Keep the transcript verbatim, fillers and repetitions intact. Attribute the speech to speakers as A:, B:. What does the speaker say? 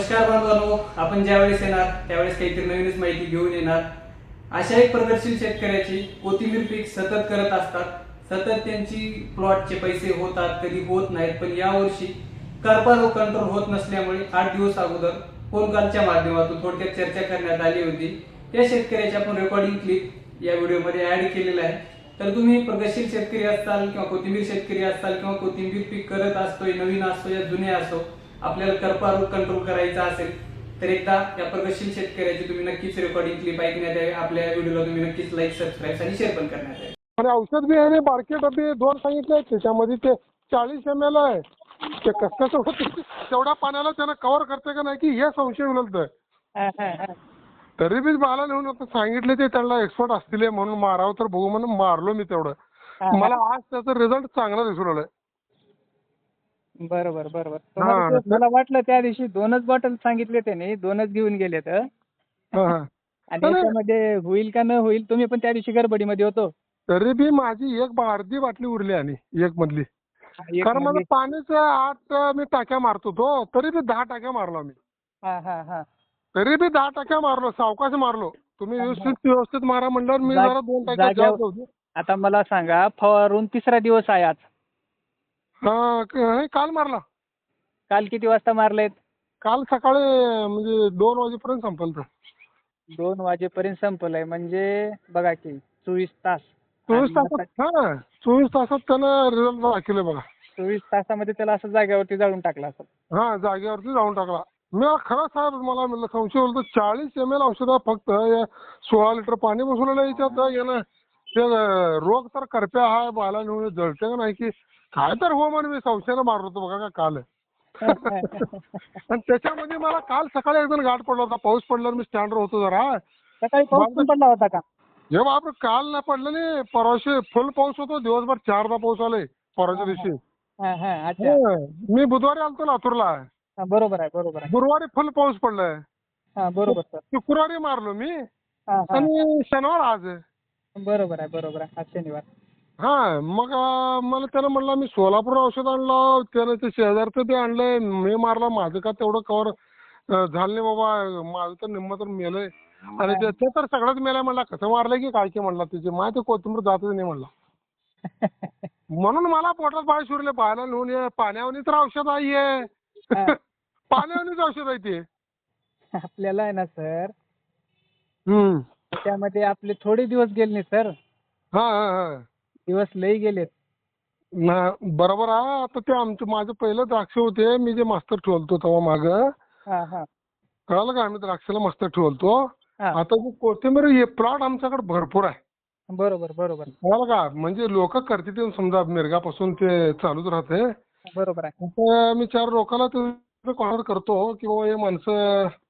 A: नमस्कार बांधवांनो, आपण ज्यावेळेस येणार त्यावेळेस काहीतरी नवीनच माहिती घेऊन येणार. अशा एक प्रगतशील शेतकऱ्याची कोथिंबीर पीक सतत करत असतात. सतत त्यांची प्लॉटचे पैसे होतात, कधी होत नाहीत. पण यावर्षी करपा रोग कंट्रोल होत नसल्यामुळे आठ दिवस अगोदर फोन कॉलच्या माध्यमातून थोडक्यात चर्चा करण्यात आली होती. त्या शेतकऱ्याची आपण रेकॉर्डिंग क्लिप या व्हिडिओमध्ये ऍड केलेला आहे. तर तुम्ही प्रगतशील शेतकरी असाल किंवा कोथिंबीर शेतकरी असाल किंवा कोथिंबीर पीक करत असतोय, नवीन असतो या जुने असो, आपल्याला करपा रोग कंट्रोल करायचा असेल तर एकदा या प्रगतशील शेतकऱ्याची तुम्ही नक्कीच रेकॉर्डिंग क्लिप ऐकण्यात यावी. आपल्या व्हिडिओला तुम्ही नक्कीच लाईक, सबस्क्राईब आणि शेअर पण करण्यात यावे.
B: आणि औषध बी आहे बारके डबे दोन सांगितले. त्याच्यामध्ये ते चाळीस एम एल आहे. ते कसं होतं तेवढ्या पाण्याला त्यानं कव्हर करते का नाही की हे संशय उलटतोय. तरी बी बाला नेऊन सांगितले ते त्यांना एक्सपर्ट असतील म्हणून मारावं तर बघू म्हणून मारलो मी तेवढं. मला आज त्याचा रिझल्ट चांगला दिसून आलाय.
C: बरोबर बरोबर तुम्हाला ते मला वाटलं त्या दिवशी दोनच बॉटल सांगितले त्याने, दोनच घेऊन गेले तर आणि त्याच्यामध्ये होईल का न होईल. तुम्ही पण त्या दिवशी गडबडीमध्ये होतो.
B: तरी बी माझी एक अर्धी बाटली उरली आणि एक मधली, कारण मला पाण्याच्या आत मी टाक्या मारतो तो. तरी बी दहा टाक्या मारलो मी.
C: हा हा हा
B: तरी बी दहा टाक्या मारलो, सावकाश मारलो. तुम्ही व्यवस्थित व्यवस्थित मारा म्हणल्यावर मी जरा दोन टाक्या जास्त होतो.
C: आता मला सांगा, फवारून तिसरा दिवस आहे आज.
B: हा क- काल मारला.
C: काल किती वाजता मारलेत?
B: काल सकाळी म्हणजे दोन वाजेपर्यंत संपल तर.
C: दोन वाजेपर्यंत संपलंय म्हणजे बघा की चोवीस तास.
B: चोवीस तासात हा चोवीस तासात त्यानं रिझल्ट दाखवले बघा.
C: चोवीस तासामध्ये त्याला असं जागेवरती जाळून टाकला असं.
B: हा जागेवरती जाऊन टाकला. मी खरं साहेब मला म्हणलं संशय होतो. चाळीस एम एल औषध फक्त या सोळा लिटर पाणी बसवलेलं याच्यात यानं ते रोग तर करप्या हाय बाला नेऊन जळते का नाही की काय तर हो म्हणून मी संशयानं मारलो होतो बघा का काल. आणि त्याच्यामध्ये मला काल सकाळी एकदम गाठ पडला होता. पाऊस पडल्यावर मी स्टँडवर होतो जरा.
C: सकाळी पाऊस पण पडला होता का?
B: हे बाप काल नाही पडलं नाही, परवाशी फुल पाऊस होतो. दिवसभर चारदा पाऊस आलाय परवाच्या दिवशी. मी बुधवारी आलतो लातूरला.
C: बरोबर आहे बरोबर आहे.
B: गुरुवारी फुल पाऊस पडलाय.
C: बरोबर सर.
B: शुक्रवारी मारलो मी आणि शनिवार आज.
C: बरोबर आहे बरोबर आहे. आज शनिवार.
B: हा मग मला त्यानं म्हणलं मी सोलापूर औषध आणलं, त्यानं ते शेजारचं ते आणलंय, मी मारला. माझं का तेवढं कव्हर झालं नाही बाबा, माझं तर निम्म तर मेलंय. आणि ते तर सगळंच मेलंय. म्हणला कसं मारलंय की काय की म्हणला, तिची माहिती कोथिंबीर जातच नाही म्हणला. म्हणून मला पोटात बाळ शिरले. बाळाला नेऊन ये पाण्यावनी तर औषध आहे. पाण्यावनीच औषध आहे ते.
C: आपल्याला आहे ना सर,
B: हम्म
C: त्यामध्ये आपले थोडे दिवस गेले नाही सर.
B: हा हा हा
C: दिवस लई गेलेत.
B: ना बरोबर आहे. आता ते आमचं माझं पहिलं द्राक्ष होते, मी जे मास्तर ठेवलतो तेव्हा मागं कळालं का, आम्ही द्राक्षाला मास्तर ठेवलतो. आता जे कोथिंबीर हे प्लॉट आमच्याकडे भरपूर आहे.
C: बरोबर बरोबर
B: कळालं का, म्हणजे लोक करते समजा मिरगापासून ते चालूच राहते.
C: बरोबर आहे.
B: आता मी चार लोकांना ते कॉन्टॅक्ट करतो की बाबा हे माणसं